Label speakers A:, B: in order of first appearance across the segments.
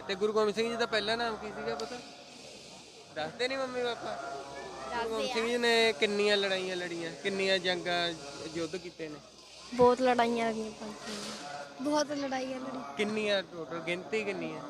A: ਤੇ ਗੁਰੂ ਗੋਬਿੰਦ ਸਿੰਘ ਜੀ ਦਾ ਪਹਿਲਾ ਨਾਮ ਕੀ ਸੀਗਾ ਪਤਾ? ਦੱਸਦੇ ਨਹੀਂ ਮੰਮੀ ਪਾਪਾ? ਗੁਰੂ ਗੋਬਿੰਦ ਸਿੰਘ ਜੀ ਨੇ ਕਿੰਨੀਆਂ ਲੜਾਈਆਂ ਲੜੀਆਂ, ਕਿੰਨੀਆਂ ਜੰਗਾਂ ਯੁੱਧ ਕੀਤੇ ਨੇ?
B: ਬਹੁਤ ਲੜਾਈਆਂ ਲੜੀਆਂ ਪੰਜ ਬਹੁਤ ਲੜਾਈਆਂ ਲੜੀ
A: ਕਿੰਨੀਆਂ ਟੋਟਲ ਗਿਣਤੀ ਕਿੰਨੀ ਹੈ?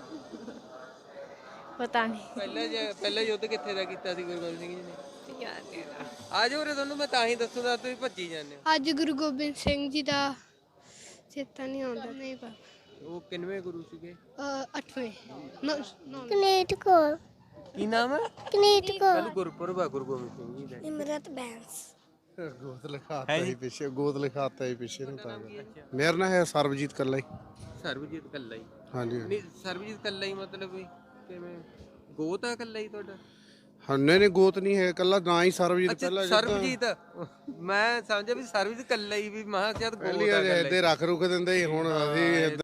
B: ਪਤਾ ਨਹੀਂ
A: ਪਹਿਲਾ ਯੁੱਧ ਕਿੱਥੇ ਦਾ ਕੀਤਾ ਸੀ ਗੁਰੂ ਗੋਬਿੰਦ ਸਿੰਘ ਜੀ ਨੇ? ਆ ਜਾਓ ਰੇ, ਤੁਹਾਨੂੰ ਮੈਂ ਤਾਂ ਹੀ ਦੱਸੂਗਾ, ਤੁਸੀਂ ਭੱਜੀ ਜਾਂਦੇ ਹੋ।
B: ਅੱਜ ਗੁਰੂ ਗੋਬਿੰਦ ਸਿੰਘ ਜੀ ਦਾ ਚੇਤਾ ਨਹੀਂ ਆਉਂਦਾ। ਨਹੀਂ ਪਾ
A: ਉਹ ਕਿੰਨਵੇਂ ਗੁਰੂ ਸੀਗੇ?
B: 8ਵੇਂ
C: ਕਨੇਟ ਕੌਰ
A: ਕੀ ਨਾਮ ਹੈ?
C: ਕਨੇਟ ਕੌਰ
A: ਕੱਲ ਗੁਰਪੁਰਬ ਆ ਗੁਰੂ ਗੋਬਿੰਦ ਸਿੰਘ ਜੀ ਦਾ।
C: ਇਮਰਤ ਬੈਂਸ
D: ਗੋਤ ਲਿਖਾਤਾ ਹੀ ਪਿੱਛੇ, ਗੋਤ ਲਿਖਾਤਾ ਹੀ ਪਿੱਛੇ ਨੂੰ ਤਾਂ। ਮੇਰਾ ਨਾਂ ਹੈ ਸਰਬਜੀਤ ਕੱਲਾ ਹੀ।
A: ਸਰਬਜੀਤ ਕੱਲਾ ਹੀ?
D: ਹਾਂਜੀ
A: ਨਹੀਂ, ਸਰਬਜੀਤ ਕੱਲਾ ਹੀ ਮਤਲਬ ਵੀ ਕਿਵੇਂ? ਗੋਤ ਆ ਕੱਲਾ ਹੀ ਤੁਹਾਡਾ?
D: ਹੰਨੇ ਨੇ ਗੋਤ ਨਹੀਂ ਹੈ, ਕੱਲਾ ਨਾਂ ਹੀ ਸਰਬਜੀਤ
A: ਅੱਛਾ
D: ਪਹਿਲਾਂ
A: ਸਰਬਜੀਤ, ਮੈਂ ਸਮਝਿਆ ਵੀ ਸਰਬਜੀਤ ਕੱਲਾ ਹੀ, ਵੀ ਮਹਾ ਸ਼ਾਇਦ ਗੋਤ
D: ਪਹਿਲੀ
A: ਆ ਕੱਲਾ
D: ਇਹਦੇ ਰੱਖ ਰੁਖ ਦਿੰਦੇ ਸੀ, ਹੁਣ ਅਸੀਂ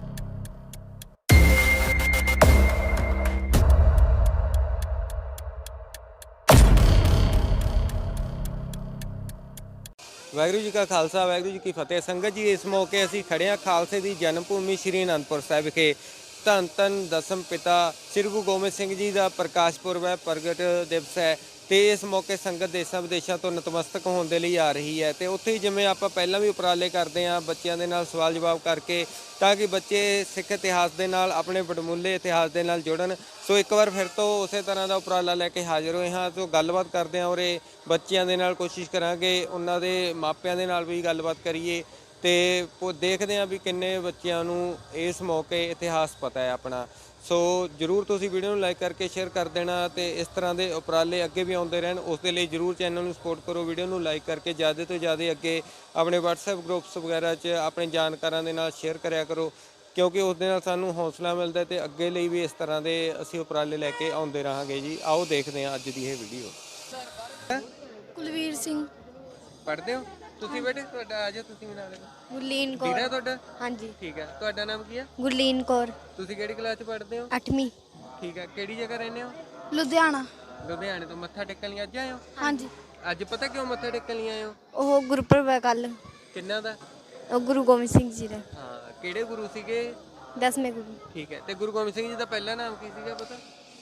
A: ਵਾਹਿਗੁਰੂ ਜੀ ਕਾ ਖਾਲਸਾ, ਵਾਹਿਗੁਰੂ ਜੀ ਕੀ ਫਤਿਹ। ਸੰਗਤ ਜੀ, ਇਸ ਮੌਕੇ ਅਸੀਂ ਖੜੇ ਹਾਂ ਖਾਲਸੇ ਦੀ ਜਨਮ ਭੂਮੀ ਸ਼੍ਰੀ ਅਨੰਦਪੁਰ ਸਾਹਿਬ ਵਿਖੇ। ਧੰਨ ਧੰਨ ਦਸਮ ਪਿਤਾ ਸ੍ਰੀ ਗੁਰੂ ਗੋਬਿੰਦ ਸਿੰਘ ਜੀ ਦਾ ਪ੍ਰਕਾਸ਼ ਪੁਰਬ ਹੈ, ਪ੍ਰਗਟ ਦਿਵਸ ਹੈ, ਤੇ ਇਸ ਮੌਕੇ ਸੰਗਤ ਦੇਸ਼ਾਂ ਵਿਦੇਸ਼ਾਂ ਤੋਂ ਨਤਮਸਤਕ ਹੋਣ ਦੇ ਲਈ ਆ ਰਹੀ ਹੈ। ਤੇ ਉੱਥੇ ਹੀ ਜਿਵੇਂ ਆਪਾਂ ਪਹਿਲਾਂ ਵੀ ਉਪਰਾਲੇ ਕਰਦੇ ਹਾਂ ਬੱਚਿਆਂ ਦੇ ਨਾਲ ਸਵਾਲ ਜਵਾਬ ਕਰਕੇ, ਤਾਂ ਕਿ ਬੱਚੇ ਸਿੱਖ ਇਤਿਹਾਸ ਦੇ ਨਾਲ, ਆਪਣੇ ਵਡਮੁੱਲੇ ਇਤਿਹਾਸ ਦੇ ਨਾਲ ਜੁੜਨ। ਸੋ ਇੱਕ ਵਾਰ ਫਿਰ ਤੋਂ ਉਸੇ ਤਰ੍ਹਾਂ ਦਾ ਉਪਰਾਲਾ ਲੈ ਕੇ ਹਾਜ਼ਰ ਹੋਏ ਹਾਂ। ਸੋ ਗੱਲਬਾਤ ਕਰਦੇ ਹਾਂ ਉਰੇ ਬੱਚਿਆਂ ਦੇ ਨਾਲ, ਕੋਸ਼ਿਸ਼ ਕਰਾਂਗੇ ਉਹਨਾਂ ਦੇ ਮਾਪਿਆਂ ਦੇ ਨਾਲ ਵੀ ਗੱਲਬਾਤ ਕਰੀਏ, ਤੇ ਦੇਖਦੇ ਹਾਂ ਵੀ ਕਿੰਨੇ ਬੱਚਿਆਂ ਨੂੰ ਇਸ ਮੌਕੇ ਇਤਿਹਾਸ ਪਤਾ ਹੈ ਆਪਣਾ। ਸੋ ਜਰੂਰ ਤੁਸੀਂ ਵੀਡੀਓ ਨੂੰ ਲਾਈਕ ਕਰਕੇ ਸ਼ੇਅਰ ਕਰ ਦੇਣਾ, ਤੇ ਇਸ ਤਰ੍ਹਾਂ ਦੇ ਉਪਰਾਲੇ ਅੱਗੇ ਵੀ ਆਉਂਦੇ ਰਹਿਣ, ਉਸ ਦੇ ਲਈ ਜਰੂਰ ਚੈਨਲ ਨੂੰ ਸਪੋਰਟ ਕਰੋ। ਵੀਡੀਓ ਨੂੰ ਲਾਈਕ ਕਰਕੇ ਜ਼ਿਆਦਾ ਤੋਂ ਜ਼ਿਆਦਾ ਅੱਗੇ ਆਪਣੇ WhatsApp ਗਰੁੱਪਸ ਵਗੈਰਾ 'ਚ ਆਪਣੇ ਜਾਣਕਾਰਾਂ ਦੇ ਨਾਲ ਸ਼ੇਅਰ ਕਰਿਆ ਕਰੋ, ਕਿਉਂਕਿ ਉਸ ਦੇ ਨਾਲ ਸਾਨੂੰ ਹੌਸਲਾ ਮਿਲਦਾ, ਤੇ ਅੱਗੇ ਲਈ ਵੀ ਇਸ ਤਰ੍ਹਾਂ ਦੇ ਅਸੀਂ ਉਪਰਾਲੇ ਲੈ ਕੇ ਆਉਂਦੇ ਰਹਾਂਗੇ ਜੀ। ਆਓ ਦੇਖਦੇ ਹਾਂ ਅੱਜ ਦੀ ਇਹ ਵੀਡੀਓ।
B: ਕੁਲਵੀਰ ਸਿੰਘ।
A: ਪੜ੍ਹਦੇ ਹੋ ਤੁਸੀਂ ਬੇਟੇ? ਤੁਹਾਡਾ ਆ ਜਾਓ, ਤੁਸੀਂ ਵੀ ਨਾਲ।
B: ਗੁਰਲੀਨ ਕੌਰ।
A: ਵੀਰਾ ਤੁਹਾਡਾ?
B: ਹਾਂਜੀ।
A: ਠੀਕ ਹੈ, ਤੁਹਾਡਾ ਨਾਮ ਕੀ ਹੈ?
B: ਗੁਰਲੀਨ ਕੌਰ।
A: ਤੁਸੀਂ ਕਿਹੜੀ ਕਲਾਸ 'ਚ ਪੜ੍ਹਦੇ ਹੋ?
B: 8ਵੀਂ।
A: ਠੀਕ ਹੈ, ਕਿਹੜੀ ਜਗ੍ਹਾ ਰਹਿੰਦੇ ਹੋ?
B: ਲੁਧਿਆਣਾ।
A: ਲੁਧਿਆਣੇ ਤੋਂ। ਮੱਥਾ ਟੇਕਣ ਲਈ ਅੱਜ ਆਏ ਹੋ?
B: ਹਾਂਜੀ।
A: ਅੱਜ ਪਤਾ ਕਿਉਂ ਮੱਥਾ ਟੇਕਣ ਲਈ ਆਏ ਹੋ?
B: ਉਹ ਗੁਰਪੁਰਬ ਹੈ ਕੱਲ।
A: ਕਿੰਨਾ ਦਾ?
B: ਉਹ ਗੁਰੂ ਗੋਬਿੰਦ ਸਿੰਘ ਜੀ ਦਾ।
A: ਹਾਂ, ਕਿਹੜੇ ਗੁਰੂ ਸੀਗੇ?
B: 10ਵੇਂ ਗੁਰੂ।
A: ਠੀਕ ਹੈ, ਤੇ ਗੁਰੂ ਗੋਬਿੰਦ ਸਿੰਘ ਜੀ ਦਾ ਪਹਿਲਾ ਨਾਮ ਕੀ ਸੀਗਾ ਪਤਾ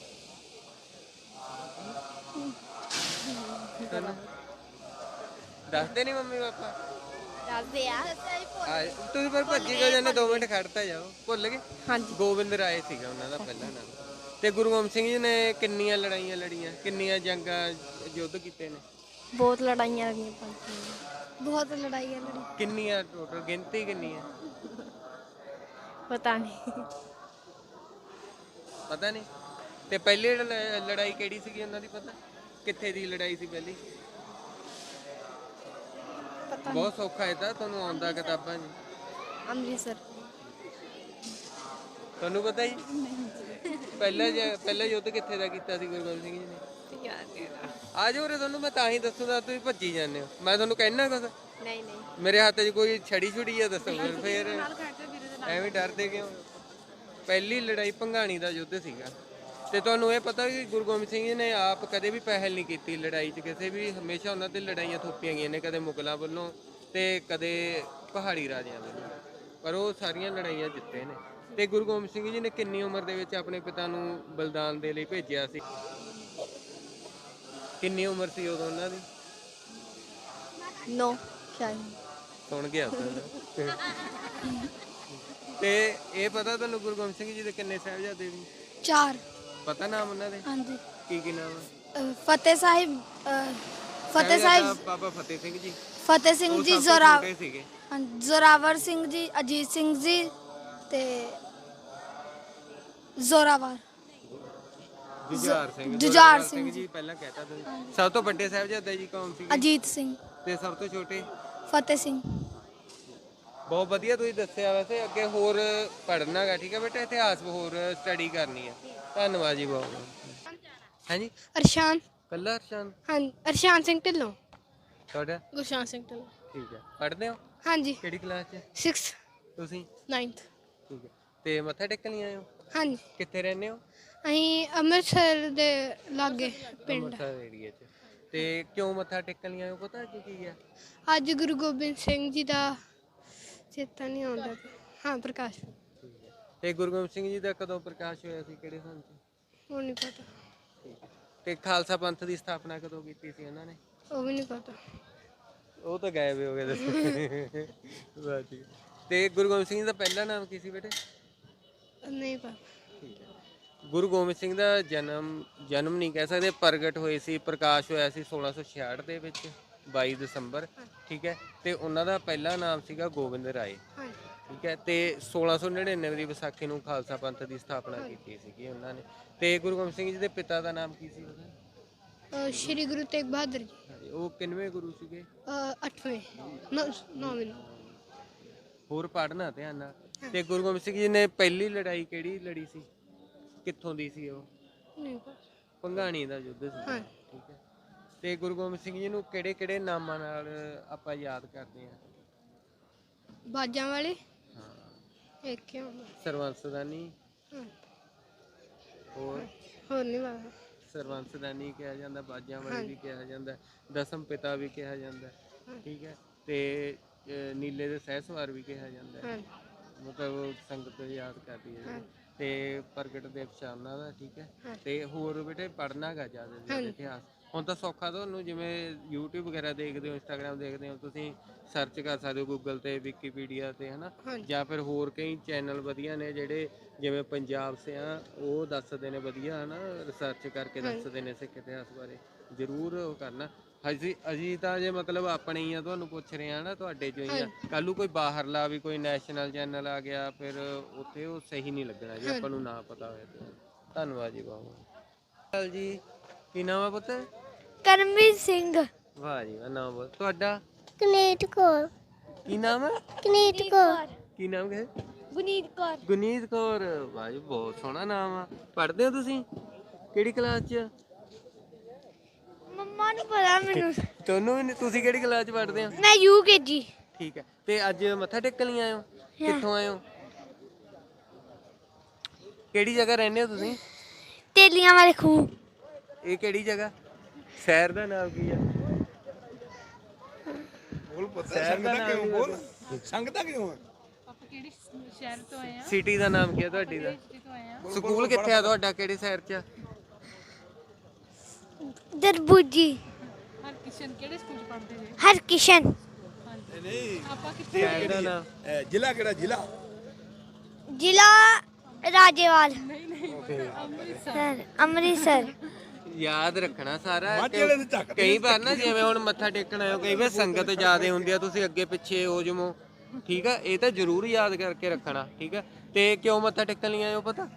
A: ਤੁਹਾਨੂੰ? ਦੱਸਦੇ ਨਹੀਂ ਮੰਮੀ ਪਾਪਾ?
B: ਦੱਸਦੇ ਆ।
A: ਤੁਸੀਂ ਪਰ ਭੱਜੀ ਕਿਉਂ ਜਾਂਦੇ? 2 ਮਿੰਟ ਖੜਤਾ ਜਾਓ। ਭੁੱਲ ਗਏ?
B: ਹਾਂਜੀ।
A: ਗੋਬਿੰਦ ਰਾਏ ਸੀਗਾ ਉਹਨਾਂ ਦਾ ਪਹਿਲਾ ਨਾਮ। ਤੇ ਗੁਰੂ ਗੋਬਿੰਦ ਸਿੰਘ ਜੀ ਨੇ ਕਿੰਨੀਆਂ ਲੜਾਈਆਂ ਲੜੀਆਂ, ਕਿੰਨੀਆਂ ਜੰਗਾਂ ਯੁੱਧ ਕੀਤੇ ਨੇ?
B: ਬਹੁਤ ਲੜਾਈਆਂ ਲੜੀਆਂ ਪੰਜ ਬਹੁਤ ਲੜਾਈਆਂ ਲੜੀ
A: ਕਿੰਨੀਆਂ ਟੋਟਲ ਗਿਣਤੀ ਕਿੰਨੀ ਹੈ?
B: ਪਤਾ ਨਹੀਂ
A: ਪਤਾ ਨਹੀਂ। ਤੇ ਪਹਿਲੀ ਲੜਾਈ ਕਿਹੜੀ ਸੀਗੀ ਉਹਨਾਂ ਦੀ ਪਤਾ? ਕਿੱਥੇ ਦੀ ਲੜਾਈ ਸੀ ਪਹਿਲੀ?
B: ਪਤਾ
A: ਬਹੁਤ ਸੌਖਾ ਹੈ, ਤਾਂ ਤੁਹਾਨੂੰ ਆਉਂਦਾ ਕਿਤਾਬਾਂ 'ਚ।
B: ਅੰਮ੍ਰਿਤਸਰ।
A: ਤੁਹਾਨੂੰ ਪਤਾ ਹੀ? ਪਹਿਲਾ ਯੁੱਧ ਕਿੱਥੇ ਦਾ ਕੀਤਾ ਸੀ ਗੁਰੂ ਗੋਬਿੰਦ ਸਿੰਘ ਜੀ ਨੇ? ਆ ਜਾਓ ਰੇ, ਤੁਹਾਨੂੰ ਮੈਂ ਤਾਂ ਹੀ ਦੱਸੂਗਾ, ਤੁਸੀਂ ਭੱਜੀ ਜਾਂਦੇ ਹੋ। ਮੈਂ ਤੁਹਾਨੂੰ ਕਹਿਣਾ ਕੁਛ?
B: ਨਹੀਂ ਨਹੀਂ।
A: ਮੇਰੇ ਹੱਥ 'ਚ ਕੋਈ ਛੜੀ ਛੁੜੀ ਆ, ਦੱਸੋ ਫਿਰ ਐਵੇਂ ਡਰਦੇ ਕਿਉਂ? ਪਹਿਲੀ ਲੜਾਈ ਭੰਗਾਣੀ ਦਾ ਯੁੱਧ ਸੀਗਾ। ਤੇ ਤੁਹਾਨੂੰ ਇਹ ਪਤਾ ਕਿ ਗੁਰੂ ਗੋਬਿੰਦ ਸਿੰਘ ਜੀ ਨੇ ਆਪ ਕਦੇ ਵੀ ਪਹਿਲ ਨਹੀਂ ਕੀਤੀ ਲੜਾਈ 'ਚ ਕਿਸੇ ਵੀ। ਹਮੇਸ਼ਾ ਉਹਨਾਂ ਤੇ ਲੜਾਈਆਂ ਥੋਪੀਆਂ ਗਈਆਂ ਨੇ, ਕਦੇ ਮੁਗਲਾਂ ਵੱਲੋਂ ਤੇ ਕਦੇ ਪਹਾੜੀ ਰਾਜਿਆਂ ਵੱਲੋਂ, ਪਰ ਉਹ ਸਾਰੀਆਂ ਲੜਾਈਆਂ ਜਿੱਤੇ ਨੇ। ਤੇ ਗੁਰੂ ਗੋਬਿੰਦ ਸਿੰਘ ਜੀ ਨੇ ਕਿੰਨੀ ਉਮਰ ਦੇ ਵਿੱਚ ਆਪਣੇ ਪਿਤਾ ਨੂੰ ਬਲਿਦਾਨ ਦੇ ਲਈ ਭੇਜਿਆ ਸੀ? ਕਿੰਨੀ ਉਮਰ ਸੀ ਉਦੋਂ ਉਹਨਾਂ ਦੀ?
B: 9 ਸ਼ਾਇਦ।
A: ਸੁਣ ਗਿਆ ਤੇ ਇਹ ਪਤਾ ਤੁਹਾਨੂੰ ਗੁਰੂ ਗੋਬਿੰਦ ਸਿੰਘ ਜੀ ਦੇ ਕਿੰਨੇ ਸਾਹਿਬਜ਼ਾਦੇ ਸੀ?
B: 4।
A: ਪਤਾ ਨਾਮ ਉਹਨਾਂ ਦੇ?
B: ਹਾਂਜੀ।
A: ਕੀ ਨਾਮ ਹੈ?
B: ਫਤਿਹ ਸਾਹਿਬ।
A: ਬਾਬਾ ਫਤਿਹ ਸਿੰਘ ਜੀ।
B: ਫਤਿਹ ਸਿੰਘ ਜੀ, ਜ਼ੋਰਾਵਰ ਸਿੰਘ ਜੀ, ਅਜੀਤ ਸਿੰਘ ਜੀ, ਤੇ ਜ਼ੋਰਾਵਰ। ਜੁਝਾਰ ਸਿੰਘ
A: ਜੀ ਪਹਿਲਾਂ ਕਹਿਤਾ ਤੁਸੀਂ। ਸਭ ਤੋਂ ਵੱਡੇ ਸਾਹਿਬਜ਼ਾਦੇ ਜੀ ਕੌਣ ਸੀ?
B: ਅਜੀਤ ਸਿੰਘ।
A: ਤੇ ਸਭ ਤੋਂ ਛੋਟੇ?
B: ਫਤਿਹ ਸਿੰਘ।
A: ਬਹੁਤ ਵਧੀਆ ਤੁਸੀਂ ਦੱਸਿਆ। ਵੈਸੇ ਅੱਗੇ ਹੋਰ ਪੜ੍ਹਨਾ ਗਾ, ਠੀਕ ਹੈ ਬੇਟਾ? ਇਤਿਹਾਸ ਹੋਰ ਸਟੱਡੀ ਕਰਨੀ ਹੈ। ਧੰਨਵਾਦ ਜੀ ਬਹੁਤ। ਹਾਂਜੀ।
B: ਅਰਸ਼ਾਨ।
A: ਕੱਲਾ ਅਰਸ਼ਾਨ?
B: ਹਾਂ, ਅਰਸ਼ਾਨ ਸਿੰਘ ਢਿੱਲੋਂ।
A: ਤੁਹਾਡਾ?
B: ਗੁਰਸ਼ਾਨ ਸਿੰਘ ਢਿੱਲੋਂ।
A: ਠੀਕ ਹੈ, ਪੜ੍ਹਦੇ ਹੋ?
B: ਹਾਂਜੀ।
A: ਕਿਹੜੀ ਕਲਾਸ 'ਚ?
B: 6th।
A: ਤੁਸੀਂ?
B: 9th।
A: ਠੀਕ ਹੈ, ਤੇ ਮੱਥਾ ਟੇਕਣ ਲਈ ਆਏ ਹੋ?
B: ਹਾਂਜੀ।
A: ਕਿੱਥੇ ਰਹਿੰਦੇ ਹੋ?
B: ਅਸੀਂ ਅੰਮ੍ਰਿਤਸਰ ਦੇ ਲਾਗੇ ਪਿੰਡ।
A: ਅੰਮ੍ਰਿਤਸਰ ਏਰੀਆ 'ਚ। ਤੇ ਕਿਉਂ ਮੱਥਾ ਟੇਕਣ ਲਈ ਆਏ ਹੋ? ਪਤਾ ਅੱਜ ਕੀ ਹੈ?
B: ਅੱਜ ਗੁਰੂ ਗੋਬਿੰਦ ਸਿੰਘ ਜੀ ਦਾ ਚੇਤਾ ਨਹੀਂ ਆਉਂਦਾ। ਹਾਂ, ਪ੍ਰਕਾਸ਼।
A: ਤੇ ਗੁਰੂ ਗੋਬਿੰਦ ਸਿੰਘ ਜੀ ਦਾ ਕਦੋਂ ਪ੍ਰਕਾਸ਼ ਹੋਇਆ ਸੀ, ਕਿਹੜੇ ਸਾਲ 'ਚ?
C: ਉਹ ਨਹੀਂ ਪਤਾ।
A: ਤੇ ਖਾਲਸਾ ਪੰਥ ਦੀ ਸਥਾਪਨਾ ਕਦੋਂ ਕੀਤੀ ਸੀ ਉਹਨਾਂ ਨੇ?
C: ਉਹ ਵੀ ਨਹੀਂ ਪਤਾ।
A: ਉਹ ਤਾਂ ਗਾਇਬ ਹੀ ਹੋ ਗਏ ਦੱਸੋ। ਵਾਹ ਜੀ। ਤੇ ਗੁਰੂ ਗੋਬਿੰਦ ਸਿੰਘ ਜੀ ਦਾ ਪਹਿਲਾ ਨਾਮ ਕੀ ਸੀ ਬੇਟੇ?
C: ਨਹੀਂ ਪਤਾ।
A: ਗੁਰੂ ਗੋਬਿੰਦ ਸਿੰਘ ਦਾ ਜਨਮ ਨਹੀਂ ਕਹਿ ਸਕਦੇ, ਪ੍ਰਗਟ ਹੋਏ ਸੀ, ਪ੍ਰਕਾਸ਼ ਹੋਇਆ ਸੀ 1666 ਦੇ ਵਿੱਚ 22 ਦਸੰਬਰ, ਠੀਕ ਹੈ। ਤੇ ਉਹਨਾਂ ਦਾ ਪਹਿਲਾ ਨਾਮ ਸੀਗਾ ਗੋਬਿੰਦ ਰਾਏ, ਠੀਕ ਹੈ। ਤੇ 1699 ਦੀ ਵਿਸਾਖੀ ਨੂੰ ਖਾਲਸਾ ਪੰਥ ਦੀ ਸਥਾਪਨਾ ਕੀਤੀ ਸੀਗੀ ਉਹਨਾਂ ਨੇ। ਤੇ ਗੁਰੂ ਗੋਬਿੰਦ ਸਿੰਘ ਜੀ ਦੇ ਪਿਤਾ ਦਾ ਨਾਮ ਕੀ ਸੀ ਉਹਦਾ?
C: ਸ਼੍ਰੀ ਗੁਰੂ ਤੇਗ ਬਹਾਦਰ ਜੀ।
A: ਉਹ ਕਿੰਨਵੇਂ ਗੁਰੂ ਸੀਗੇ?
C: 8ਵੇਂ 9ਵੇਂ।
A: ਹੋਰ ਪੜ੍ਹਨਾ ਧਿਆਨ ਨਾਲ। ਤੇ ਗੁਰੂ ਗੋਬਿੰਦ ਸਿੰਘ ਜੀ ਨੇ ਪਹਿਲੀ ਲੜਾਈ ਕਿਹੜੀ ਲੜੀ ਸੀ, ਕਿੱਥੋਂ ਦੀ ਸੀ ਉਹ?
C: ਨਹੀਂ ਪਤਾ।
A: ਭੰਗਾਣੀ ਦਾ ਯੁੱਧ ਸੀ, ਠੀਕ ਹੈ। ਤੇ ਗੁਰੂ ਗੋਬਿੰਦ ਸਿੰਘ ਜੀ ਨੂੰ ਕਿਹੜੇ ਕਿਹੜੇ ਨਾਮਾਂ ਨਾਲ ਆਪਾਂ ਯਾਦ ਕਰਦੇ ਹਾਂ?
C: ਬਾਜਾਂ ਵਾਲੇ।
A: ਹਾਂ,
C: ਇੱਕ ਹੀ ਹੁੰਦਾ।
A: ਸਰਵੰਸਦਾਨੀ। ਹੋਰ
C: ਨਹੀਂ ਪਤਾ।
A: ਸਰਵੰਸਦਾਨੀ ਕਿਹਾ ਜਾਂਦਾ, ਬਾਜਾਂ ਵਾਲੇ ਵੀ ਕਿਹਾ ਜਾਂਦਾ, ਦਸਮ ਪਿਤਾ ਵੀ ਕਿਹਾ ਜਾਂਦਾ, ਠੀਕ ਹੈ। ਤੇ ਨੀਲੇ ਦੇ ਸਹਿਸਵਾਰ ਵੀ ਕਿਹਾ ਜਾਂਦਾ, ਮਤਲਬ ਸੰਗਤ ਯਾਦ ਕਰਦੀ ਹੈ। ਤੇ ਪ੍ਰਗਟ ਦਿਵਸ ਆ ਉਹਨਾਂ ਦਾ, ਠੀਕ ਹੈ। ਤੇ ਹੋਰ ਬੇਟੇ ਪੜ੍ਹਨਾ ਗਾ ਜ਼ਿਆਦਾ ਇਤਿਹਾਸ। ਹੁਣ ਤਾਂ ਸੌਖਾ ਤੁਹਾਨੂੰ, ਜਿਵੇਂ YouTube ਵਗੈਰਾ ਦੇਖਦੇ ਹੋ, Instagram ਦੇਖਦੇ ਹੋ, ਤੁਸੀਂ ਸਰਚ ਕਰ ਸਕਦੇ ਹੋ ਗੂਗਲ ਤੇ, ਵਿਕੀਪੀਡੀਆ ਤੇ, ਹਨਾ। ਜਾਂ ਫਿਰ ਹੋਰ ਕਈ ਚੈਨਲ ਵਧੀਆ ਨੇ ਜਿਹੜੇ, ਜਿਵੇਂ ਪੰਜਾਬ ਸਿਆਂ, ਉਹ ਦੱਸਦੇ ਨੇ ਵਧੀਆ, ਹਨਾ, ਰਿਸਰਚ ਕਰਕੇ ਦੱਸਦੇ ਨੇ ਸਿੱਖ ਇਤਿਹਾਸ ਬਾਰੇ। ਜ਼ਰੂਰ ਉਹ ਕਰਨਾ। ਅਸੀਂ ਤਾਂ ਜੇ ਮਤਲਬ ਆਪਣੇ ਹੀ ਆ, ਤੁਹਾਨੂੰ ਪੁੱਛ ਰਹੇ ਆ ਨਾ, ਤੁਹਾਡੇ ਚੋਂ ਹੀ ਆ। ਕੱਲ ਨੂੰ ਕੋਈ ਬਾਹਰਲਾ ਵੀ ਕੋਈ ਨੈਸ਼ਨਲ ਚੈਨਲ ਆ ਗਿਆ, ਫਿਰ ਉੱਥੇ ਉਹ ਸਹੀ ਨਹੀਂ ਲੱਗਣਾ ਜੇ ਆਪਾਂ ਨੂੰ ਨਾ ਪਤਾ ਹੋਇਆ ਤੇ। ਧੰਨਵਾਦ ਜੀ ਬਹੁਤ ਜੀ। ਕੀ ਨਾਮ ਆ ਪੁੱਤ?
B: ਕਰਮਵੀਰ ਸਿੰਘ।
A: ਵਾਹ ਜੀ ਵਾਹ। ਨਾਮ ਬੋਲ ਤੁਹਾਡਾ?
C: ਕਨੇਟ ਕੌਰ।
A: ਕੀ ਨਾਮ ਹੈ?
C: ਕਨੇਟ ਕੌਰ।
A: ਕੀ ਨਾਮ ਹੈ?
B: ਗੁਨੀਤ ਕੌਰ।
A: ਗੁਨੀਤ ਕੌਰ। ਵਾਹ ਜੀ ਬਹੁਤ ਸੋਹਣਾ ਨਾਮ ਆ। ਪੜ੍ਹਦੇ ਹੋ ਤੁਸੀਂ ਕਿਹੜੀ ਕਲਾਸ 'ਚ?
B: ਮੰਮਾ ਨੂੰ ਪਤਾ ਮੈਨੂੰ।
A: ਤੁਹਾਨੂੰ ਵੀ ਨਹੀਂ? ਤੁਸੀਂ ਕਿਹੜੀ ਕਲਾਸ 'ਚ ਪੜ੍ਹਦੇ ਹੋ?
B: ਮੈਂ UKG।
A: ਠੀਕ ਹੈ। ਤੇ ਅੱਜ ਮੱਥਾ ਟੇਕਣ ਲਈ ਆਏ ਹੋ? ਕਿੱਥੋਂ ਆਏ ਹੋ? ਕਿਹੜੀ ਜਗ੍ਹਾ ਰਹਿੰਦੇ ਹੋ ਤੁਸੀਂ?
B: ਤੇਲੀਆਂ ਵਾਲੇ ਖੂਹ।
A: ਇਹ ਕਿਹੜੀ ਜਗ੍ਹਾ? ਸ਼ਹਿਰ ਦਾ ਨਾਮ ਕੀ ਆ? ਸ਼ਹਿਰ ਦਾ ਨਾਮ ਬੋਲ।
E: ਸੰਗਤਾਂ ਕਿਉਂ?
F: ਆਪਾਂ ਕਿਹੜੀ ਸ਼ਹਿਰ ਤੋਂ ਆਏ ਆ?
A: ਸਿਟੀ ਦਾ ਨਾਮ ਕੀ ਆ ਤੁਹਾਡੀ ਦਾ?
F: ਸਿਟੀ ਤੋਂ ਆਏ ਆ।
A: ਸਕੂਲ ਕਿੱਥੇ ਆ ਤੁਹਾਡਾ, ਕਿਹੜੇ ਸ਼ਹਿਰ 'ਚ?
B: ਦਰਬੂਜੀ।
F: ਹਰਕਿਸ਼ਨ ਕਿਹੜੇ ਸਕੂਲ ਚ ਪੜ੍ਹਦੇ ਜੇ?
B: ਹਰਕਿਸ਼ਨ।
E: ਨਹੀਂ,
F: ਆਪਾਂ ਕਿੱਥੇ
A: ਸ਼ਹਿਰ ਦਾ ਨਾਮ?
E: ਜ਼ਿਲ੍ਹਾ ਕਿਹੜਾ? ਜ਼ਿਲ੍ਹਾ
B: ਜ਼ਿਲ੍ਹਾ ਰਾਜੇਵਾਲ।
F: ਅੰਮ੍ਰਿਤਸਰ।
B: ਅੰਮ੍ਰਿਤਸਰ।
A: ਯਾਦ ਰੱਖਣਾ ਸਾਰਾ।
E: ਮਾਝੇ ਵਾਲੇ ਦੇ ਝੱਕ
A: ਕਈ ਵਾਰ ਨਾ, ਜਿਵੇਂ ਹੁਣ ਮੱਥਾ ਟੇਕਣ ਆਇਓ, ਕਈ ਵਾਰ ਸੰਗਤ ਜ਼ਿਆਦੇ ਹੁੰਦੀ ਆ, ਤੁਸੀਂ ਅੱਗੇ ਪਿੱਛੇ ਹੋ ਜਮੋ, ਠੀਕ ਆ। ਇਹ ਤਾਂ ਜ਼ਰੂਰ ਯਾਦ ਕਰਕੇ ਰੱਖਣਾ, ਠੀਕ ਆ। ਤੇ ਕਿਉਂ ਮੱਥਾ ਟੇਕਣ ਲਈ ਆਇਓ ਪਤਾ?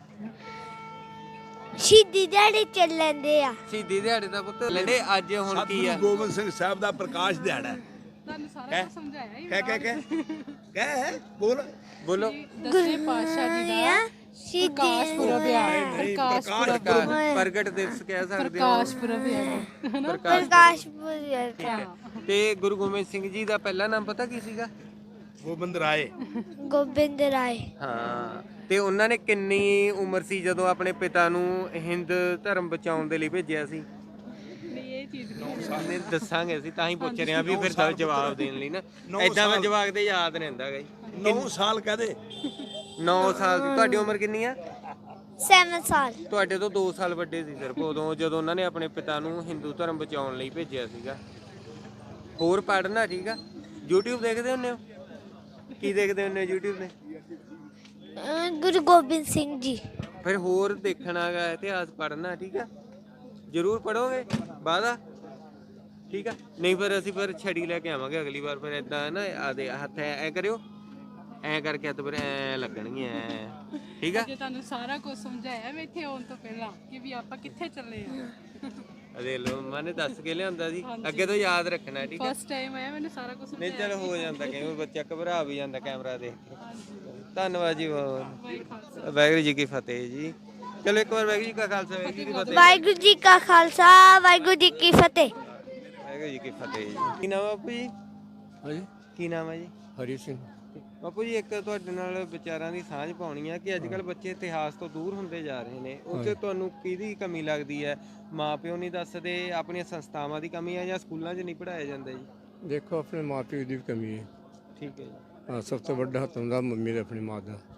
B: ਸ਼ਹੀਦੀ ਦਿਹਾੜੇ ਚੱਲ ਲੈਂਦੇ ਆ।
A: ਸ਼ਹੀਦੀ ਦਿਹਾੜੇ ਦਾ ਪੁੱਤ ਲੈਂਦੇ ਅੱਜ। ਹੁਣ ਕੀ ਆ?
E: ਸਤਿਗੁਰੂ ਗੋਬਿੰਦ ਸਿੰਘ ਸਾਹਿਬ ਦਾ ਪ੍ਰਕਾਸ਼ ਦਿਹਾੜਾ ਹੈ।
F: ਤੁਹਾਨੂੰ ਸਾਰਾ ਕੁਝ ਸਮਝਾਇਆ ਹੀ।
E: ਕਹਿ ਬੋਲ।
A: ਬੋਲੋ।
F: ਦਸਵੇਂ ਪਾਤਸ਼ਾਹ ਜੀ ਦਾ ਪ੍ਰਕਾਸ਼ ਪੁਰਬ ਆ।
A: ਪ੍ਰਗਟ ਦਿਵਸ ਕਹਿ ਸਕਦੇ ਹੋ।
F: ਪ੍ਰਕਾਸ਼ ਪੁਰਬ ਆ।
B: ਪ੍ਰਕਾਸ਼ ਪੁਰਬ।
A: ਤੇ ਗੁਰੂ ਗੋਬਿੰਦ ਸਿੰਘ ਜੀ ਦਾ ਪਹਿਲਾ ਨਾਮ ਪਤਾ ਕੀ ਸੀਗਾ?
E: ਗੋਬਿੰਦ ਰਾਏ।
B: ਗੋਬਿੰਦ ਰਾਏ।
A: ਹਾਂ। ਤੇ ਉਹਨਾਂ ਨੇ ਕਿੰਨੀ ਉਮਰ ਸੀ ਜਦੋਂ ਆਪਣੇ ਪਿਤਾ ਨੂੰ ਹਿੰਦ ਧਰਮ ਬਚਾਉਣ ਦੇ ਲਈ ਭੇਜਿਆ ਸੀ?
F: ਨਹੀਂ, ਇਹ ਚੀਜ਼
A: ਨਹੀਂ ਦੱਸਾਂਗੇ ਅਸੀਂ, ਤਾਂ ਹੀ ਪੁੱਛ ਰਹੇ ਹਾਂ ਵੀ ਫਿਰ ਤਾਂ ਜਵਾਬ ਦੇਣ ਲਈ ਨਾ। ਐਦਾਂ ਮੈਂ ਜਵਾਬ ਦੇ ਯਾਦ ਨਹੀਂ ਹੁੰਦਾ ਗਈ।
E: 9 ਸਾਲ ਕਹਦੇ।
A: 9 ਸਾਲ ਦੀ। ਤੁਹਾਡੀ ਉਮਰ ਕਿੰਨੀ ਆ?
B: 7 ਸਾਲ।
A: ਤੁਹਾਡੇ ਤੋਂ 2 ਸਾਲ ਵੱਡੇ ਸੀ ਸਿਰਫ ਉਦੋਂ, ਜਦੋਂ ਉਹਨਾਂ ਨੇ ਆਪਣੇ ਪਿਤਾ ਨੂੰ ਹਿੰਦੂ ਧਰਮ ਬਚਾਉਣ ਲਈ ਭੇਜਿਆ ਸੀਗਾ। ਹੋਰ ਪੜ੍ਹਨਾ, ਠੀਕ ਆ। YouTube ਦੇਖਦੇ ਹੁੰਦੇ ਹੋ? ਕੀ ਦੇਖਦੇ ਹੁੰਦੇ ਹੋ YouTube ਤੇ?
B: ਗੁਰੂ ਗੋਬਿੰਦ ਸਿੰਘ ਜੀ।
A: ਫਿਰ ਹੋਰ ਦੇਖਣਾ ਗਾ, ਇਤਿਹਾਸ ਪੜ੍ਹਨਾ, ਠੀਕ ਆ। ਜ਼ਰੂਰ ਪੜ੍ਹੋਗੇ, ਵਾਦਾ, ਠੀਕ ਆ। ਨਹੀਂ ਫਿਰ ਅਸੀਂ ਫਿਰ ਛੜੀ ਲੈ ਕੇ ਆਵਾਂਗੇ ਅਗਲੀ ਵਾਰ। ਫਿਰ ਏਦਾਂ ਨਾ ਆਦੇ ਹੱਥ ਐ ਕਰਿਓ, ਐ ਕਰਕੇ ਹੱਥ ਫਿਰ ਐ ਲੱਗਣਗੀਆਂ, ਠੀਕ ਆ।
F: ਜੇ ਤੁਹਾਨੂੰ ਸਾਰਾ ਕੁਝ ਸਮਝਾਇਆ ਮੈਂ ਇੱਥੇ ਆਉਣ ਤੋਂ ਪਹਿਲਾਂ ਕਿ ਵੀ ਆਪਾਂ ਕਿੱਥੇ ਚੱਲੇ ਆ।
A: ਅਦੇ ਲੋ ਮੈਨੇ ਦੱਸ ਕੇ ਲਿਆਂਦਾ ਸੀ, ਅੱਗੇ ਤੋਂ ਯਾਦ ਰੱਖਣਾ, ਠੀਕ ਆ।
F: ਫਸਟ ਟਾਈਮ ਆਇਆ, ਮੈਨੂੰ ਸਾਰਾ ਕੁਝ
A: ਨਹੀਂ ਚਲ ਹੋ ਜਾਂਦਾ, ਕਈ ਵਾਰ ਬੱਚਾ ਘਬਰਾ ਵੀ ਜਾਂਦਾ ਕੈਮਰਾ ਦੇਖ ਕੇ। ਧੰਨਵਾਦ ਜੀ ਬਹੁਤ। ਵਾਹਿਗੁਰੂ ਜੀ ਕੀ ਫਤਿਹ ਜੀ। ਚਲੋ ਇੱਕ ਵਾਰ ਵਾਹਿਗੁਰੂ ਜੀ ਕਾ ਖਾਲਸਾ, ਵਾਹਿਗੁਰੂ ਜੀ ਕੀ ਫਤਿਹ।
B: ਵਾਹਿਗੁਰੂ ਜੀ ਕਾ ਖਾਲਸਾ, ਵਾਹਿਗੁਰੂ ਜੀ ਕੀ ਫਤਿਹ।
A: ਵਾਹਿਗੁਰੂ ਜੀ ਕੀ ਫਤਿਹ ਜੀ। ਕੀ ਨਾਮ ਆ ਬਾਪੂ ਜੀ?
D: ਹਾਂਜੀ,
A: ਕੀ ਨਾਮ ਹੈ ਜੀ?
D: ਹਰੀ ਸਿੰਘ।
A: ਬਾਪੂ ਜੀ, ਇੱਕ ਤੁਹਾਡੇ ਨਾਲ ਵਿਚਾਰਾਂ ਦੀ ਸਾਂਝ ਪਾਉਣੀ ਆ ਕਿ ਅੱਜ ਕੱਲ੍ਹ ਬੱਚੇ ਇਤਿਹਾਸ ਤੋਂ ਦੂਰ ਹੁੰਦੇ ਜਾ ਰਹੇ ਨੇ। ਉਹ 'ਚ ਤੁਹਾਨੂੰ ਕਿਹਦੀ ਕਮੀ ਲੱਗਦੀ ਹੈ? ਮਾਂ ਪਿਓ ਨਹੀਂ ਦੱਸਦੇ, ਆਪਣੀਆਂ ਸੰਸਥਾਵਾਂ ਦੀ ਕਮੀ ਹੈ, ਜਾਂ ਸਕੂਲਾਂ 'ਚ ਨਹੀਂ ਪੜ੍ਹਾਇਆ ਜਾਂਦਾ ਜੀ?
G: ਦੇਖੋ ਆਪਣੇ ਮਾਂ ਪਿਓ ਦੀ ਵੀ ਕਮੀ ਹੈ।
A: ਠੀਕ ਹੈ ਜੀ।
G: ਹਾਂ, ਸਭ ਤੋਂ ਵੱਡਾ ਹੱਥ ਹੁੰਦਾ ਮੰਮੀ ਦਾ, ਆਪਣੀ ਮਾਂ ਦਾ।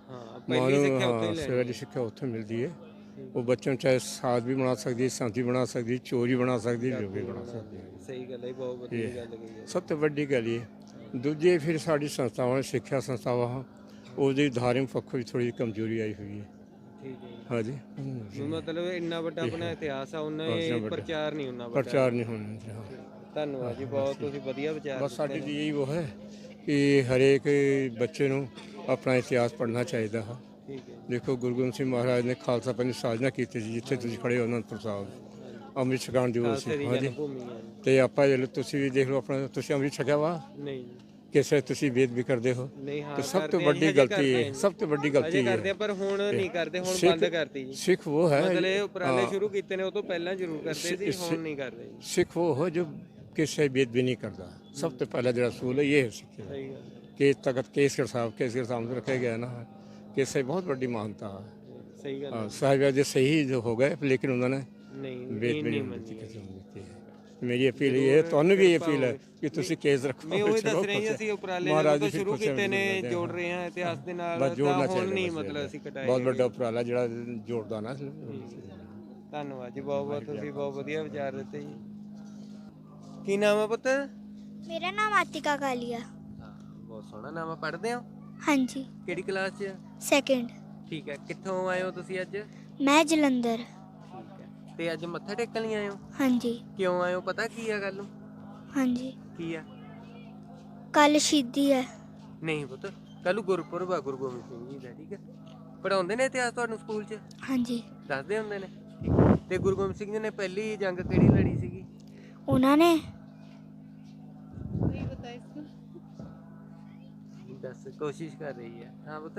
A: ਹਾਂ
G: ਮਾਂ
A: ਪਹਿਲੀ
G: ਨੂੰ
A: ਸਿੱਖਿਆ ਉੱਥੇ ਹੀ
G: ਹਾਂ
A: ਲੈਣੀ
G: ਸਵੇਰ ਦੀ ਸਿੱਖਿਆ ਉੱਥੇ ਮਿਲਦੀ ਹੈ। ਉਹ ਬੱਚੇ ਨੂੰ ਚਾਹੇ ਸਾਗ ਵੀ ਬਣਾ ਸਕਦੀ ਹੈ, ਸੰਤ ਵੀ ਬਣਾ ਸਕਦੀ ਹੈ, ਚੋਰ ਵੀ ਬਣਾ ਸਕਦੀ ਹੈ, ਜੋ ਵੀ ਬਣਾ ਸਕਦੀ ਹੈ।
A: ਸਹੀ ਗੱਲ ਹੈ, ਬਹੁਤ ਵਧੀਆ ਗੱਲ ਕਹੀ ਹੈ।
G: ਸਭ ਤੋਂ ਵੱਡੀ ਗੱਲ ਇਹ ਦੂਜੇ ਫਿਰ ਸਾਡੀ ਸੰਸਥਾਵਾਂ ਸਿੱਖਿਆ ਸੰਸਥਾਵਾਂ ਉਹਦੀ ਧਾਰਮਿਕ ਪੱਖੋਂ ਵੀ ਥੋੜੀ ਕਮਜ਼ੋਰੀ ਆਈ ਹੋਈ ਹੈ।
A: ਠੀਕ ਹੈ ਜੀ।
G: ਹਾਂਜੀ
A: ਵੀ ਮਤਲਬ ਇੰਨਾ ਵੱਡਾ ਆਪਣਾ ਇਤਿਹਾਸ ਆ ਉਹਨਾਂ
G: ਬਹੁਤ
A: ਇਹ
G: ਵੱਡਾ।
A: ਪ੍ਰਚਾਰ ਨਹੀਂ ਉਹਨਾਂ ਵੱਡਾ।
G: ਪ੍ਰਚਾਰ ਨਹੀਂ ਹੋਣਾ ਚਾਹੀਦਾ।
A: ਧੰਨਵਾਦ ਜੀ, ਬਹੁਤ ਤੁਸੀਂ ਵਧੀਆ ਵਿਚਾਰ
G: ਬਸ
A: ਦਿੱਤੇ
G: ਸਾਡੀ
A: ਨੇ।
G: ਦੀ ਇਹੀ ਉਹ ਹੈ ਕਿ ਹਰੇਕ ਬੱਚੇ ਨੂੰ ਆਪਣਾ ਇਤਿਹਾਸ ਪੜ੍ਹਨਾ ਚਾਹੀਦਾ ਹੈ।
A: ਠੀਕ ਹੈ ਜੀ।
G: ਦੇਖੋ ਗੁਰੂ ਗੋਬਿੰਦ ਸਿੰਘ ਮਹਾਰਾਜ ਨੇ ਖਾਲਸਾ ਪੰਥ ਦੀ ਸਾਜਨਾ ਕੀਤੀ ਸੀ, ਜਿੱਥੇ ਤੁਸੀਂ ਖੜੇ ਹੋ ਅਨੰਦਪੁਰ ਸਾਹਿਬ ਅੰਮ੍ਰਿਤ ਛਕਾਉਣ ਦਿਵਸ
A: ਖਾਲਸੇ ਦੀ
G: ਸੀ। ਹਾਂਜੀ
A: ਜਨਮ ਭੂਮੀ ਹੈ ਜੀ।
G: ਤੇ ਆਪਾਂ ਜੇ ਤੁਸੀਂ ਵੀ ਦੇਖ ਲਓ ਆਪਣਾ ਤੁਸੀਂ ਅੰਮ੍ਰਿਤ ਛਕਿਆ ਵਾ
A: ਨਹੀਂ ਜੀ,
G: ਕਿਸੇ ਤੁਸੀਂ ਵੇਦ ਵੀ ਕਰਦੇ ਹੋ
A: ਨਹੀਂ ਹਾਂ
G: ਤੇ ਸਭ ਤੋਂ
A: ਕਰਦੇ ਆ ਜੀ,
G: ਵੱਡੀ
A: ਹਜੇ
G: ਗਲਤੀ
A: ਕਰਦੇ
G: ਹੈ
A: ਆ ਜੀ।
G: ਸਭ ਤੋਂ ਵੱਡੀ
A: ਅਜੇ
G: ਗਲਤੀ
A: ਕਰਦੇ
G: ਹੈ
A: ਆ ਪਰ ਹੁਣ ਨਹੀਂ ਕਰਦੇ, ਹੁਣ
G: ਸਿੱਖ-
A: ਬੰਦ ਕਰਤੀ ਜੀ।
G: ਸਿੱਖ ਉਹ ਹੈ
A: ਮਤਲਬ ਇਹ ਉਪਰਾਲੇ
G: ਹਾਂ,
A: ਸ਼ੁਰੂ ਕੀਤੇ ਨੇ ਉਹ ਤੋਂ ਪਹਿਲਾਂ ਜ਼ਰੂਰ ਕਰਦੇ ਸੀ, ਹੁਣ ਨਹੀਂ ਕਰਦੇ ਜੀ।
G: ਸਿੱਖ ਉਹ ਹੈ ਜੋ ਕਿਸੇ ਵੇਦ ਵੀ ਨਹੀਂ ਕਰਦਾ। ਸਭ ਤੋਂ ਪਹਿਲਾ ਜਿਹੜਾ ਅਸੂਲ ਹੈ ਇਹ ਹੈ ਸਿੱਖ ਦਾ।
A: ਸਹੀ ਗੱਲ ਹੈ,
G: ਕਿ ਤਖਤ ਕੇਸਗੜ੍ਹ ਸਾਹਿਬ में रखा गया ना कि से बहुत बड़ी मानता है।
A: ਸਹੀ ਗੱਲ ਹੈ।
G: हाँ, साहिब सही जो हो गए लेकिन उन्होंने
A: ਨਹੀਂ
G: वेद
A: ਇਹ
G: भी
A: ਨਹੀਂ
G: नहीं
A: ਮੰਨੀ
G: किसी को नहीं की है। मेरी अपील ये है ਤੁਹਾਨੂੰ ਵੀ अपील है कि ਤੁਸੀਂ ਕੇਸ ਰੱਖੋ।
A: ਮੈਂ ਉਹੀ ਦੱਸ ਰਹੇ ਹਾਂ, ਅਸੀਂ ਉਪਰਾਲੇ
G: ਮਹਾਰਾਜ
A: ਜਦੋਂ
G: ਦੀ
A: ਸ਼ੁਰੂ
G: ਖੁਸ਼ੀਆਂ
A: ਕੀਤੇ ਨੇ
G: ਮਨਾਉਂਦੇ
A: ਜੋੜ ਰਹੇ ਹਾਂ ਇਤਿਹਾਸ ਦੇ ਨਾਲ,
G: ਬਸ
A: ਤਾਂ
G: ਜੋੜਨਾ
A: ਹੁਣ
G: ਚਾਹੀਦਾ
A: ਨਹੀਂ
G: ਬਸ
A: ਮਤਲਬ
G: ਇਹ
A: ਅਸੀਂ ਕਟਾਏ
G: ਬਹੁਤ
A: ਗਏ।
G: ਵੱਡਾ ਉਪਰਾਲਾ ਜਿਹੜਾ ਜੋੜਦਾ ਨਾ।
A: ਧੰਨਵਾਦ ਜੀ, ਬਹੁਤ ਬਹੁਤ ਤੁਸੀਂ ਬਹੁਤ ਵਧੀਆ ਵਿਚਾਰ ਦਿੱਤੇ ਜੀ। ਕੀ ਨਾਮ ਹੈ ਪੁੱਤ?
C: ਮੇਰਾ ਨਾਮ ਆਤਿਕਾ ਕਾਲੀਆ।
A: ਬਹੁਤ ਸੋਹਣਾ ਨਾਮ ਹੈ। ਪੜ੍ਹਦੇ ਹੋ?
C: ਹਾਂਜੀ,
A: ਕਿਹੜੀ ਕਲਾਸ 'ਚ?
C: ਸੈਕਿੰਡ।
A: ਠੀਕ ਹੈ। ਕਿੱਥੋਂ ਆਏ ਹੋ ਤੁਸੀਂ ਅੱਜ?
C: ਮੈਂ ਜਲੰਧਰ।
A: ਠੀਕ ਹੈ। ਤੇ ਅੱਜ ਮੱਥਾ ਟੇਕਣ ਲਈ ਆਏ ਹੋ?
C: ਹਾਂਜੀ
A: ਕਿਉਂ ਆਏ ਹੋ? ਪਤਾ ਕੀ ਆ ਗੱਲ ਨੂੰ?
C: ਹਾਂਜੀ,
A: ਕੀ ਆ?
C: ਕੱਲ ਸ਼ਹੀਦੀ ਹੈ।
A: ਨਹੀਂ ਪੁੱਤ, ਕੱਲ ਨੂੰ ਗੁਰਪੁਰਬ ਆ ਗੁਰੂ ਗੋਬਿੰਦ ਸਿੰਘ ਜੀ ਦਾ। ਠੀਕ ਹੈ। ਪੜਾਉਂਦੇ ਨੇ ਇਤਿਹਾਸ ਤੁਹਾਨੂੰ ਸਕੂਲ 'ਚ?
C: ਹਾਂਜੀ,
A: ਦੱਸਦੇ ਹੁੰਦੇ ਨੇ? ਠੀਕ ਹੈ। ਤੇ ਗੁਰੂ ਗੋਬਿੰਦ ਸਿੰਘ ਜੀ ਨੇ ਪਹਿਲੀ ਜੰਗ ਕਿਹੜੀ ਲੜੀ ਸੀਗੀ?
C: ਉਹਨਾਂ ਨੇ
A: ਦੱਸ, ਕੋਸ਼ਿਸ਼ ਕਰ ਰਹੀ ਹੈ। ਹਾਂ ਪੁੱਤ,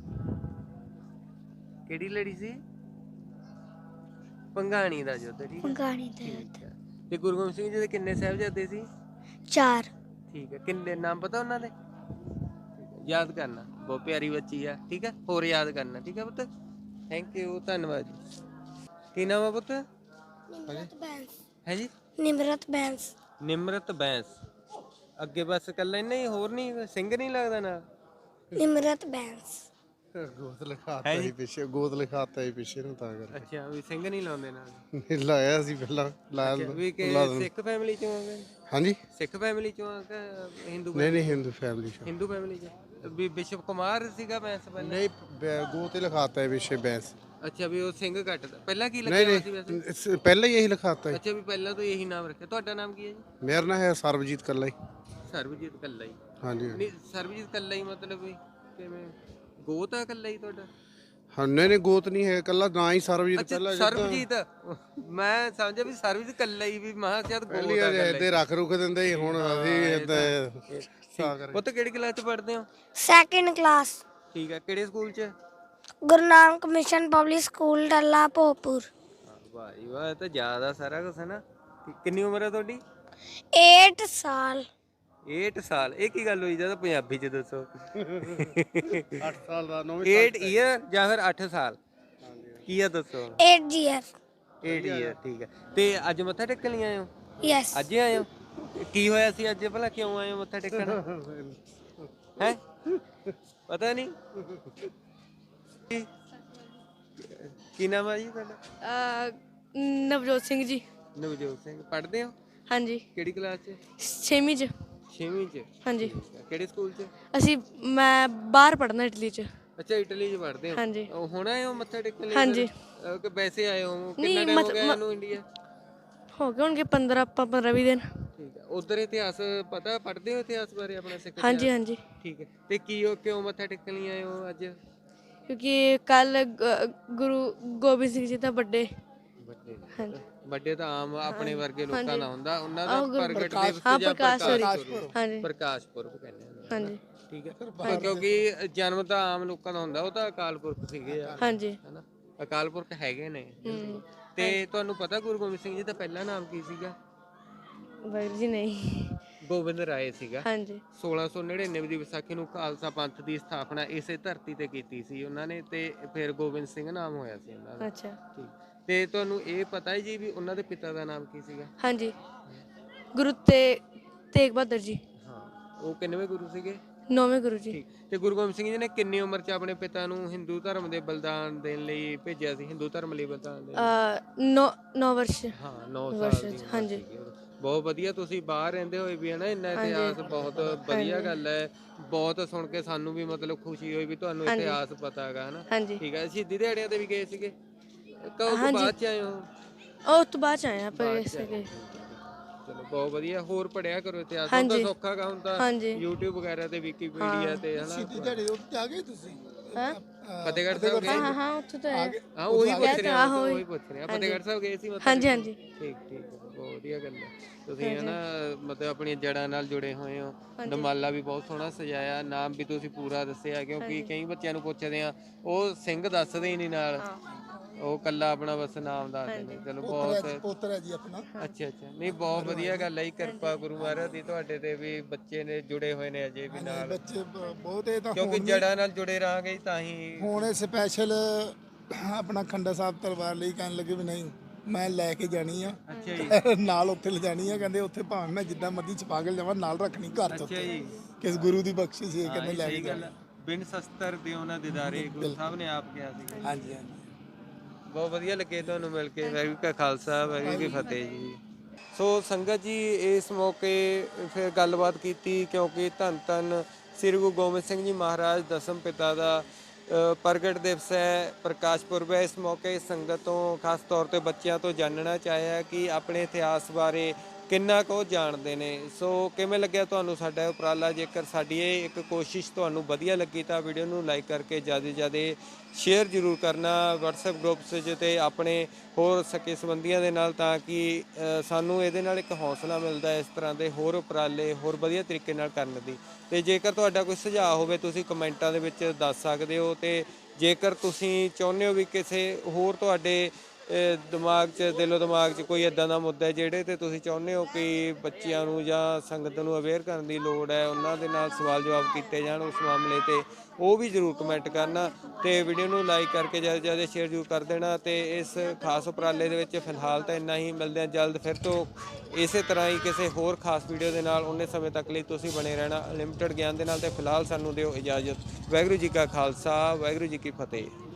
A: ਕਿਹੜੀ ਲੜੀ ਸੀ? ਪੰਗਾਣੀ ਦਾ ਯੁੱਧ। ਠੀਕ ਹੈ।
C: ਪੰਗਾਣੀ ਦੇ
A: ਠੀਕ ਹੈ। ਤੇ ਗੁਰੂ ਗੋਬਿੰਦ ਸਿੰਘ ਜੀ ਦੇ ਕਿੰਨੇ ਸਾਹਿਬਜ਼ਾਦੇ ਸੀ?
C: 4।
A: ਠੀਕ ਹੈ। ਕਿੰਨੇ ਨਾਮ ਪਤਾ ਉਹਨਾਂ ਦੇ? ਠੀਕ ਹੈ। ਯਾਦ ਕਰਨਾ, ਬਹੁਤ ਪਿਆਰੀ ਬੱਚੀ ਆ। ਠੀਕ ਹੈ। ਹੋਰ ਯਾਦ ਕਰਨਾ। ਠੀਕ ਹੈ ਪੁੱਤ। ਥੈਂਕ ਯੂ, ਧੰਨਵਾਦ ਜੀ। ਕੀ ਨਾਮ ਹੈ ਪੁੱਤ?
C: ਨਿਮਰਤ ਬੈਂਸ।
A: ਹੈ ਜੀ?
C: ਨਿਮਰਤ ਬੈਂਸ।
A: ਨਿਮਰਤ ਬੈਂਸ। ਅੱਗੇ ਬਸ ਇਕੱਲਾ ਇੰਨਾ ਹੀ, ਹੋਰ ਨਹੀਂ? ਸਿੰਘ ਨਹੀਂ ਲੱਗਦਾ ਨਾਲ?
C: ਨਿਮਰਤ ਬੈਂਸ।
D: ਗੋਤ ਲਿਖਾਤਾ ਹੀ ਪਿੱਛੇ, ਗੋਤ ਲਿਖਾਤਾ ਹੀ ਪਿੱਛੇ ਨੂੰ ਤਾਂ ਕਰਕੇ
A: ਅੱਛਾ, ਵੀ ਸਿੰਘ ਨਹੀਂ ਲਾਉਂਦੇ ਨਾਲ?
D: ਨਹੀਂ ਲਾਇਆ ਸੀ ਪਹਿਲਾਂ ਲਾਇਆ
A: ਵੀ ਕਿ ਸਿੱਖ ਫੈਮਿਲੀ ਚੋਂ ਆ ਗਏ?
D: ਹਾਂਜੀ।
A: ਸਿੱਖ ਫੈਮਿਲੀ ਚੋਂ ਆ ਕਿ ਹਿੰਦੂ?
D: ਨਹੀਂ ਨਹੀਂ ਹਿੰਦੂ ਫੈਮਿਲੀ ਚ
A: ਹਿੰਦੂ ਫੈਮਿਲੀ ਚੋਂ। ਵੀ ਬਿਸ਼ਪ ਕੁਮਾਰ ਸੀਗਾ ਬੈਂਸ ਪਹਿਲਾਂ?
D: ਨਹੀਂ ਗੋਤ ਹੀ ਲਿਖਾਤਾ ਹੈ ਪਿੱਛੇ ਬੈਂਸ।
A: ਅੱਛਾ, ਵੀ ਉਹ ਸਿੰਘ ਕੱਟਦਾ। ਪਹਿਲਾਂ ਕੀ
D: ਨਹੀਂ
A: ਲੱਗਿਆ ਸੀ ਵੈਸੇ?
D: ਨਹੀਂ ਪਹਿਲਾਂ ਹੀ ਇਹੀ ਲਿਖਾਤਾ ਹੈ।
A: ਅੱਛਾ, ਵੀ ਪਹਿਲਾਂ ਤੋਂ ਇਹੀ ਨਾਮ ਰੱਖਿਆ। ਤੁਹਾਡਾ ਨਾਮ ਕੀ ਹੈ ਜੀ?
D: ਮੇਰਾ ਨਾਂ ਹੈ ਸਰਬਜੀਤ ਕੱਲਾ ਹੀ।
A: ਸਰਬਜੀਤ ਕੱਲਾ ਹੀ?
D: ਹਾਂਜੀ
A: ਨਹੀਂ, ਸਰਬਜੀਤ ਕੱਲਾ ਹੀ ਮਤਲਬ ਵੀ ਕਿਵੇਂ? ਗੋਤ ਆ ਕੱਲਾ ਹੀ ਤੁਹਾਡਾ?
D: ਹਾਂ ਨਹੀਂ ਨਹੀਂ ਗੋਤ ਨਹੀਂ ਹੈ ਕੱਲਾ ਨਾਂ ਹੀ ਸਰਬਜੀਤ
A: ਅੱਛਾ,
D: ਪਹਿਲਾਂ
A: ਸਰਬਜੀਤ। ਮੈਂ ਸਮਝਿਆ ਵੀ ਸਰਬਜੀਤ ਕੱਲਾ ਹੀ, ਵੀ ਮਹਾ ਸ਼ਾਇਦ ਗੋਤ
D: ਪਹਿਲੀ
A: ਆ ਕੱਲਾ
D: ਇੱਥੇ ਰੱਖ ਰੁਖ ਦਿੰਦੇ ਸੀ, ਹੁਣ ਅਸੀਂ ਏਦਾਂ ਤਾਂ ਕਰਕੇ।
A: ਪੁੱਤ ਕਿਹੜੀ ਕਲਾਸ ਚ ਪੜ੍ਹਦੇ ਹੋ?
C: Second class.
A: ਠੀਕ ਹੈ। ਕਿਹੜੇ ਸਕੂਲ ਚ?
C: Guru Nanak mission public school Dalla Bhopur.
A: ਵਾਹ ਜੀ ਵਾਹ, ਇਹ ਤਾਂ ਜ਼ਿਆਦਾ ਸਾਰਾ ਕੁਝ ਹੈ ਨਾ। ਕਿੰਨੀ ਉਮਰ ਹੈ ਤੁਹਾਡੀ?
C: 8 ਸਾਲ।
A: 8 ਸਾਲ। ਇਹ ਕੀ ਗੱਲ ਹੋਈ? ਜਦੋਂ ਪੰਜਾਬੀ ਚ ਦੱਸੋ।
D: 8 ਸਾਲ ਦਾ 9ਵੀਂ
A: 8 ਈਅਰ ਜਾਂ ਫਿਰ 8 ਸਾਲ? ਕੀ ਆ ਦੱਸੋ।
C: 8 year।
A: 8 ਈਅਰ। ਠੀਕ ਹੈ। ਤੇ ਅੱਜ ਮੱਥਾ ਟੇਕਣ ਲਈ ਆਏ ਹੋ?
C: ਯੈਸ।
A: ਅੱਜ ਹੀ ਆਏ ਹੋ? ਕੀ ਹੋਇਆ ਸੀ ਅੱਜ ਭਲਾ? ਕਿਉਂ ਆਏ ਹੋ ਮੱਥਾ ਟੇਕਣ? ਹੈ ਪਤਾ ਨਹੀਂ? ਕੀ ਨਾਮ ਹੈ ਜੀ ਤੁਹਾਡਾ?
F: ਨਵਜੋਤ ਸਿੰਘ ਜੀ।
A: ਨਵਜੋਤ ਸਿੰਘ। ਪੜ੍ਹਦੇ ਹੋ?
F: ਹਾਂਜੀ,
A: ਕਿਹੜੀ ਕਲਾਸ ਚ?
F: 6ਵੀਂ ਚ।
A: 6ਵੀਂ ਚ।
F: ਹਾਂਜੀ,
A: ਕਿਹੜੇ ਸਕੂਲ ਚ?
F: ਮੈਂ ਬਾਹਰ ਪੜ੍ਹਨਾ ਇਟਲੀ ਚ।
A: ਅੱਛਾ, ਇਟਲੀ ਚ ਪੜ੍ਹਦੇ ਹੋ?
F: ਹਾਂਜੀ।
A: ਉਹ ਹੁਣ ਆਏ ਹੋ ਮੱਥਾ ਟੇਕਣ ਲਈ?
F: ਹਾਂਜੀ।
A: ਕਿ ਵੈਸੇ ਆਏ ਹੋ?
F: ਨਹੀਂ,
A: ਕਿੰਨਾ ਟਾਈਮ ਹੋ ਗਿਆ ਇਹਨੂੰ ਇੰਡੀਆ?
F: ਹੋ ਗਏ ਹੋਣਗੇ 15-20 ਦਿਨ।
A: ਠੀਕ ਹੈ। ਉਧਰ ਇਤਿਹਾਸ ਪਤਾ? ਪੜ੍ਹਦੇ ਹੋ ਇਤਿਹਾਸ ਬਾਰੇ ਆਪਣਾ ਸਿੱਖ
F: ਹਾਂਜੀ
A: ਇਤਿਹਾਸ?
F: ਹਾਂਜੀ,
A: ਠੀਕ ਹੈ। ਤੇ ਕਿਉਂ ਮੱਥਾ ਟੇਕਣ ਲਈ ਆਏ ਹੋ ਅੱਜ?
F: ਕਿਉਂਕਿ ਕੱਲ ਗੁਰੂ ਗੋਬਿੰਦ ਸਿੰਘ ਜੀ ਦਾ ਬਰਥਡੇ। ਹਾਂਜੀ।
A: ਵੱਡੇ ਤਾਂ ਆਮ ਆਪਣੇ ਵਰਗੇ ਲੋਕਾਂ ਦਾ ਹੁੰਦਾ, ਉਹਨਾਂ ਦਾ
F: ਆਹ
A: ਪ੍ਰਗਟ
F: ਪ੍ਰਕਾਸ਼-
A: ਦਿਵਸ
F: ਹਾਂ,
A: ਜਾਂ
F: ਪ੍ਰਕਾਸ਼
A: ਪ੍ਰਕਾਸ਼
F: ਪੁਰਬ।
A: ਪੁਰਬ।
F: ਹਾਂਜੀ।
A: ਪ੍ਰਕਾਸ਼ ਪੁਰਬ ਕਹਿੰਦੇ ਆ।
F: ਹਾਂਜੀ
A: ਠੀਕ ਹੈ। ਕਿਉਂਕਿ ਜਨਮ ਤਾਂ ਆਮ ਲੋਕਾਂ ਦਾ ਹੁੰਦਾ, ਉਹ ਤਾਂ ਅਕਾਲ ਪੁਰਖ ਸੀਗੇ ਆ,
F: ਹਾਂਜੀ।
A: ਹਨਾ? ਅਕਾਲ ਪੁਰਖ ਹੈਗੇ ਨੇ। ਤੇ ਤੁਹਾਨੂੰ ਪਤਾ ਗੁਰੂ ਗੋਬਿੰਦ ਸਿੰਘ ਜੀ ਦਾ ਪਹਿਲਾ ਨਾਮ ਕੀ ਸੀਗਾ?
F: ਵਾਹਿਗੁਰੂ ਜੀ ਨਹੀਂ।
A: ਗੋਬਿੰਦ ਰਾਏ ਸੀਗਾ।
F: ਹਾਂਜੀ।
A: 1699 ਦੀ ਵਿਸਾਖੀ ਨੂੰ ਖਾਲਸਾ ਪੰਥ ਦੀ ਸਥਾਪਨਾ ਇਸੇ ਧਰਤੀ ਤੇ ਕੀਤੀ ਸੀ ਉਹਨਾਂ ਨੇ, ਤੇ ਫਿਰ ਗੋਬਿੰਦ ਸਿੰਘ ਨਾਮ ਹੋਇਆ ਸੀ ਉਹਨਾਂ ਦਾ।
F: ਅੱਛਾ।
A: ਠੀਕ। ਤੇ ਤੁਹਾਨੂੰ ਇਹ ਪਤਾ ਹੈ ਜੀ ਵੀ ਉਹਨਾਂ ਦੇ ਪਿਤਾ ਦਾ ਨਾਮ ਕੀ ਸੀਗਾ?
F: ਹਾਂਜੀ, ਗੁਰੂ ਤੇਗ ਬਹਾਦਰ ਜੀ।
A: ਹਾਂ। ਉਹ ਕਿੰਨਵੇਂ ਗੁਰੂ ਸੀਗੇ?
F: 9ਵੇਂ ਗੁਰੂ ਜੀ।
A: ਠੀਕ। ਤੇ ਗੁਰੂ ਗੋਬਿੰਦ ਸਿੰਘ ਜੀ ਨੇ ਕਿੰਨੀ ਉਮਰ 'ਚ ਆਪਣੇ ਪਿਤਾ ਨੂੰ ਹਿੰਦੂ ਧਰਮ ਦੇ ਬਲਿਦਾਨ ਦੇਣ ਲਈ ਭੇਜਿਆ ਸੀ, ਹਿੰਦੂ ਧਰਮ ਲਈ ਬਲਿਦਾਨ ਦੇਣ?
F: 9 ਵਰਸ਼।
A: ਹਾਂ 9
F: ਵਰਸ਼
A: ਸਾਲ ਦੀ ਉਮਰ
F: ਹਾਂਜੀ।
A: ਸੀਗੀ ਉਦੋਂ। ਬਹੁਤ ਵਧੀਆ, ਤੁਸੀਂ ਬਾਹਰ ਰਹਿੰਦੇ ਹੋਏ ਵੀ ਹੈ ਨਾ ਇੰਨਾ ਇਤਿਹਾਸ, ਬਹੁਤ ਵਧੀਆ ਗੱਲ ਹੈ। ਬਹੁਤ ਸੁਣ ਕੇ ਸਾਨੂੰ ਵੀ ਮਤਲਬ ਖੁਸ਼ੀ ਹੋਈ ਵੀ ਤੁਹਾਨੂੰ ਇਤਿਹਾਸ ਪਤਾ ਹੈਗਾ ਹੈ ਨਾ।
F: ਹਾਂਜੀ।
A: ਠੀਕ ਹੈ। ਸ਼ਹੀਦੀ ਦਿਹਾੜਿਆਂ ਤੇ ਵੀ ਗਏ ਸੀਗੇ? ਕਦੋਂ ਤੋਂ ਬਾਅਦ 'ਚ ਆਏ ਹੋ?
F: ਉਹ ਤੋਂ ਬਾਅਦ ਚ ਆਏ ਆਪਾਂ ਇਸੇ ਕੇ।
A: ਚਲੋ ਬਹੁਤ ਵਧੀਆ। ਹੋਰ ਪੜਿਆ ਕਰੋ ਇਤਿਹਾਸ, ਹੁਣ ਤਾਂ ਸੌਖਾ ਗਾ, ਹੁਣ ਤਾਂ
F: ਹਾਂਜੀ।
A: YouTube ਵਗੈਰਾ ਤੇ ਵਿਕੀਪੀਡੀਆ ਤੇ ਹਨਾ।
D: ਦਿਹਾੜੇ ਉੱਤੇ ਆ ਗਏ ਤੁਸੀਂ
F: ਹਾਂ
A: ਫਤਿਹਗੜ੍ਹ ਸਾਹਿਬ ਗਏ?
F: ਹਾਂ ਹਾਂ ਉੱਥੇ ਤਾਂ ਹੈ।
A: ਹਾਂ ਉਹੀ ਪੁੱਛ ਰਿਹਾ,
F: ਆਹੋ,
A: ਉਹੀ ਪੁੱਛ ਰਿਹਾ। ਫਤਿਹਗੜ੍ਹ ਸਾਹਿਬ ਗਏ ਸੀ ਮਤਲਬ?
F: ਹਾਂਜੀ ਹਾਂਜੀ।
A: ਠੀਕ ਠੀਕ ਹੈ, ਬਹੁਤ ਵਧੀਆ ਗੱਲ ਹੈ। ਤੁਸੀਂ ਹਨਾ ਮਤਲਬ ਆਪਣੀਆਂ ਜੜ੍ਹਾਂ ਨਾਲ ਜੁੜੇ ਹੋਏ ਹੋ। ਦਮਾਲਾ ਵੀ ਬਹੁਤ ਸੋਹਣਾ ਸਜਾਇਆ, ਨਾਮ ਵੀ ਤੁਸੀਂ ਪੂਰਾ ਦੱਸਿਆ, ਕਿਉਂਕਿ ਕਈ ਬੱਚਿਆਂ ਨੂੰ ਪੁੱਛਦੇ ਆ ਉਹ ਸਿੰਘ ਦੱਸਦੇ ਹੀ ਨਹੀਂ ਨਾਲ, ਉਹ ਕੱਲਾ ਆਪਣਾ ਬਸ ਨਾਮ ਦੱਸਦੇ ਨੇ। ਚਲੋ ਬਹੁਤ
D: ਪੋਤਰ ਹੈ ਜੀ ਆਪਣਾ।
A: ਅੱਛਾ ਅੱਛਾ, ਨਹੀਂ ਬਹੁਤ ਵਧੀਆ ਗੱਲ ਹੈ ਜੀ। ਕਿਰਪਾ ਗੁਰੂ ਮਹਾਰਾਜ ਦੀ ਤੁਹਾਡੇ ਤੇ ਵੀ, ਬੱਚੇ ਨੇ ਜੁੜੇ ਹੋਏ ਨੇ ਅਜੇ ਵੀ ਨਾਲ,
D: ਬੱਚੇ ਬਹੁਤ ਇਹ ਤਾਂ
A: ਕਿਉਂਕਿ ਜੜ੍ਹਾਂ ਨਾਲ ਜੁੜੇ ਰਹਾਂਗੇ ਤਾਂ ਹੀ।
D: ਹੁਣ ਸਪੈਸ਼ਲ ਆਪਣਾ ਖੰਡਾ ਸਾਹਿਬ ਤਲਵਾਰ ਲਈ ਕਹਿਣ ਲੱਗੇ ਵੀ ਨਹੀਂ ਮੈਂ ਲੈ ਕੇ ਜਾਣੀ ਆ।
A: ਅੱਛਾ ਜੀ।
D: ਨਾਲ ਉੱਥੇ ਲਿਜਾਣੀ ਆ, ਕਹਿੰਦੇ ਉੱਥੇ ਭਾਵੇਂ ਮੈਂ ਜਿੱਦਾਂ ਮਰਜ਼ੀ ਛਪਾ ਕੇ ਲਿਜਾਵਾਂ, ਨਾਲ ਰੱਖਣੀ ਘਰ ਚ
A: ਅੱਛਾ
D: ਉੱਤੇ,
A: ਜੀ।
D: ਕਿਸ ਗੁਰੂ ਦੀ ਬਖਸ਼ਿਸ਼ ਹੈ, ਕਹਿੰਦੇ ਲੈ ਕੇ
A: ਸਹੀ ਗੱਲ
D: ਜਾਣੀ।
A: ਹੈ। ਬਿਨ ਸ਼ਸਤਰ ਦੇ ਉਹਨਾਂ ਦਿਦਾਰੇ, ਗੁਰੂ ਸਾਹਿਬ ਨੇ ਆਪ ਕਿਹਾ ਸੀ।
D: ਹਾਂਜੀ ਹਾਂਜੀ।
A: ਬਹੁਤ ਵਧੀਆ ਲੱਗੇ ਤੁਹਾਨੂੰ ਮਿਲ ਕੇ। ਵਾਹਿਗੁਰੂ ਕਾ ਖਾਲਸਾ, ਵਾਹਿਗੁਰੂ ਕੀ ਫਤਿਹ ਜੀ। ਸੋ ਸੰਗਤ ਜੀ, ਇਸ ਮੌਕੇ ਫਿਰ ਗੱਲਬਾਤ ਕੀਤੀ, ਕਿਉਂਕਿ ਧੰਨ ਧੰਨ ਸ੍ਰੀ ਗੁਰੂ ਗੋਬਿੰਦ ਸਿੰਘ ਜੀ ਮਹਾਰਾਜ ਦਸਮ ਪਿਤਾ ਦਾ ਪ੍ਰਗਟ ਦਿਵਸ ਹੈ, ਪ੍ਰਕਾਸ਼ ਪੁਰਬ ਹੈ। ਇਸ ਮੌਕੇ ਸੰਗਤ ਤੋਂ, ਖਾਸ ਤੌਰ ਤੇ ਬੱਚਿਆਂ ਤੋਂ ਜਾਣਨਾ ਚਾਹਿਆ ਕਿ ਆਪਣੇ ਇਤਿਹਾਸ ਬਾਰੇ ਕਿੰਨਾ ਕੁ ਉਹ ਜਾਣਦੇ ਨੇ। ਸੋ ਕਿਵੇਂ ਲੱਗਿਆ ਤੁਹਾਨੂੰ ਸਾਡਾ ਉਪਰਾਲਾ? ਜੇਕਰ ਸਾਡੀ ਇਹ ਇੱਕ ਕੋਸ਼ਿਸ਼ ਤੁਹਾਨੂੰ ਵਧੀਆ ਲੱਗੀ ਤਾਂ ਵੀਡੀਓ ਨੂੰ ਲਾਈਕ ਕਰਕੇ ਜ਼ਿਆਦਾ ਤੋਂ ਜ਼ਿਆਦਾ ਸ਼ੇਅਰ ਜ਼ਰੂਰ ਕਰਨਾ WhatsApp ਗਰੁੱਪਸ 'ਚ ਤੇ ਆਪਣੇ ਹੋਰ ਸਕੇ ਸੰਬੰਧੀਆਂ ਦੇ ਨਾਲ, ਤਾਂ ਕਿ ਸਾਨੂੰ ਇਹਦੇ ਨਾਲ ਇੱਕ ਹੌਸਲਾ ਮਿਲਦਾ ਇਸ ਤਰ੍ਹਾਂ ਦੇ ਹੋਰ ਉਪਰਾਲੇ ਹੋਰ ਵਧੀਆ ਤਰੀਕੇ ਨਾਲ ਕਰਨ ਦੀ। ਤੇ ਜੇਕਰ ਤੁਹਾਡਾ ਕੋਈ ਸੁਝਾਅ ਹੋਵੇ ਤੁਸੀਂ ਕਮੈਂਟਾਂ ਦੇ ਵਿੱਚ ਦੱਸ ਸਕਦੇ ਹੋ। ਤੇ ਜੇਕਰ ਤੁਸੀਂ ਚਾਹੁੰਦੇ ਹੋ ਵੀ ਕਿਸੇ ਹੋਰ ਤੁਹਾਡੇ ਦਿਮਾਗ 'ਚ, ਦਿਲੋਂ ਦਿਮਾਗ 'ਚ ਕੋਈ ਇਦਾਂ ਦਾ ਮੁੱਦਾ ਜਿਹੜੇ ਤੇ ਤੁਸੀਂ ਚਾਹੁੰਦੇ ਹੋ ਕਿ ਬੱਚਿਆਂ ਨੂੰ ਜਾਂ ਸੰਗਤ ਨੂੰ ਅਵੇਅਰ ਕਰਨ ਦੀ ਲੋੜ ਹੈ, ਉਹਨਾਂ ਦੇ ਨਾਲ ਸਵਾਲ ਜਵਾਬ ਕੀਤੇ ਜਾਣ ਉਸ ਮਾਮਲੇ ਤੇ, ਉਹ ਵੀ ਜ਼ਰੂਰ ਕਮੈਂਟ ਕਰਨਾ। ਤੇ ਵੀਡੀਓ ਨੂੰ ਲਾਈਕ ਕਰਕੇ ਜ਼ਿਆਦਾ ਤੋਂ ਜ਼ਿਆਦਾ ਸ਼ੇਅਰ ਜ਼ਰੂਰ ਕਰ ਦੇਣਾ। ਤੇ ਇਸ ਖਾਸ ਉਪਰਾਲੇ ਦੇ ਵਿੱਚ ਫਿਲਹਾਲ ਤਾਂ ਇੰਨਾ ਹੀ। ਮਿਲਦੇ ਹਾਂ ਜਲਦ ਫਿਰ ਤੋਂ ਇਸੇ ਤਰ੍ਹਾਂ ਹੀ ਕਿਸੇ ਹੋਰ ਖਾਸ ਵੀਡੀਓ ਦੇ ਨਾਲ। ਉਨੇ ਸਮੇਂ ਤੱਕ ਲਈ ਤੁਸੀਂ ਬਣੇ ਰਹਿਣਾ ਅਨਲਿਮਟਿਡ ਗਿਆਨ ਦੇ ਨਾਲ। ਤੇ ਫਿਲਹਾਲ ਸਾਨੂੰ ਦਿਓ ਇਜਾਜ਼ਤ। ਵਾਹਿਗੁਰੂ ਜੀ ਕਾ ਖਾਲਸਾ, ਵਾਹਿਗੁਰੂ ਜੀ ਕੀ ਫਤਿਹ।